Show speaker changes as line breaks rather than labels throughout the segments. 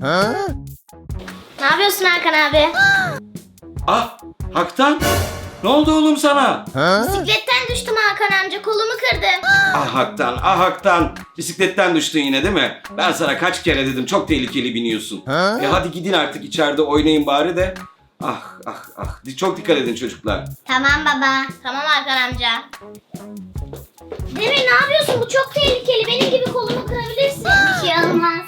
Ne yapıyorsun Hakan abi?
Ah, Haktan. Ne oldu oğlum sana?
Bisikletten düştüm Hakan amca, kolumu kırdım.
Ah Haktan, ah Haktan. Bisikletten düştün yine değil mi? Ben sana kaç kere dedim, çok tehlikeli biniyorsun. Hadi gidin artık, içeride oynayın bari de. Ah ah ah. Çok dikkat edin çocuklar.
Tamam baba. Tamam Hakan amca. Demir ne yapıyorsun? Bu çok tehlikeli. Benim gibi kolumu kırabilirsin. Bir şey olmaz.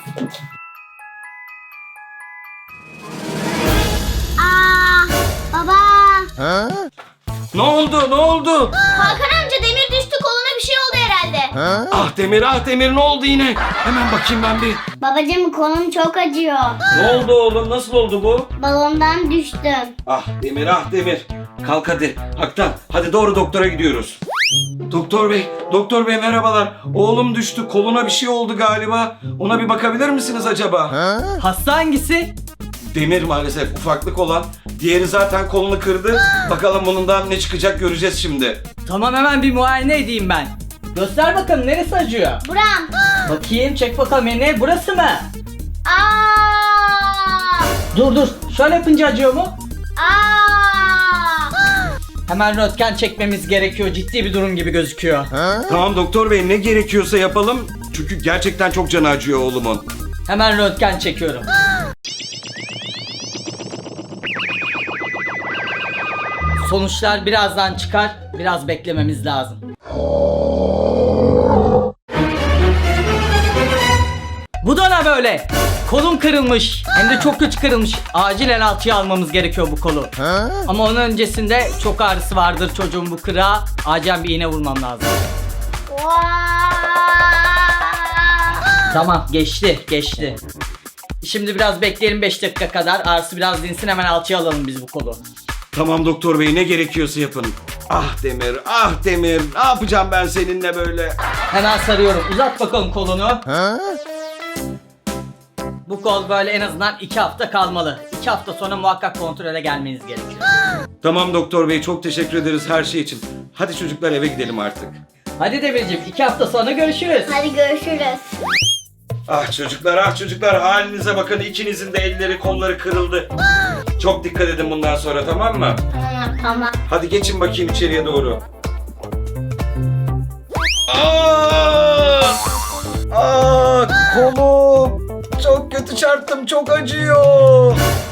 Aa, baba.
Ne oldu? Ne oldu?
Hakan amca Demir düştü. Koluna bir şey oldu herhalde.
Ah Demir, ah Demir, ne oldu yine? Hemen bakayım ben bir.
Babacığım kolum çok acıyor.
Ne oldu oğlum? Nasıl oldu bu?
Balondan düştüm.
Ah Demir, ah Demir. Kalk hadi. Haktan, hadi doğru doktora gidiyoruz. Doktor bey merhabalar. Oğlum düştü, koluna bir şey oldu galiba. Ona bir bakabilir misiniz acaba?
Hasta hangisi?
Demir maalesef, ufaklık olan. Diğeri zaten kolunu kırdı. Bakalım bundan ne çıkacak göreceğiz şimdi.
Tamam, hemen bir muayene edeyim ben. Göster bakalım, neresi acıyor?
Buram.
Bakayım, çek bakalım, ne burası mı?
Aa!
Dur, şöyle yapınca acıyor mu?
Aa!
Hemen röntgen çekmemiz gerekiyor, ciddi bir durum gibi gözüküyor.
Tamam doktor bey, ne gerekiyorsa yapalım. Çünkü gerçekten çok canı acıyor oğlumun.
Hemen röntgen çekiyorum. Sonuçlar birazdan çıkar, biraz beklememiz lazım. Bu da ne böyle? Kolum kırılmış. Hem de çok kötü kırılmış. Acilen alçıya almamız gerekiyor bu kolu. Ama onun öncesinde çok ağrısı vardır çocuğun bu kırığa. Acilen bir iğne vurmam lazım. Tamam, geçti. Şimdi biraz bekleyelim, 5 dakika kadar. Ağrısı biraz dinsin, hemen alçıya alalım biz bu kolu.
Tamam doktor bey, ne gerekiyorsa yapın. Ah Demir, ah Demir. Ne yapacağım ben seninle böyle?
Hemen sarıyorum. Uzat bakalım kolunu. Bu kol böyle en azından 2 hafta kalmalı. 2 hafta sonra muhakkak kontrole gelmeniz gerekiyor.
Tamam doktor bey, çok teşekkür ederiz her şey için. Hadi çocuklar, eve gidelim artık.
Hadi Demirciğim, 2 hafta sonra görüşürüz.
Hadi görüşürüz.
Ah çocuklar, halinize bakın, ikinizin de elleri kolları kırıldı. Çok dikkat edin bundan sonra, tamam mı?
Tamam.
Hadi geçin bakayım içeriye doğru. Aa, kolum. Çok kötü çarptım, çok acıyor.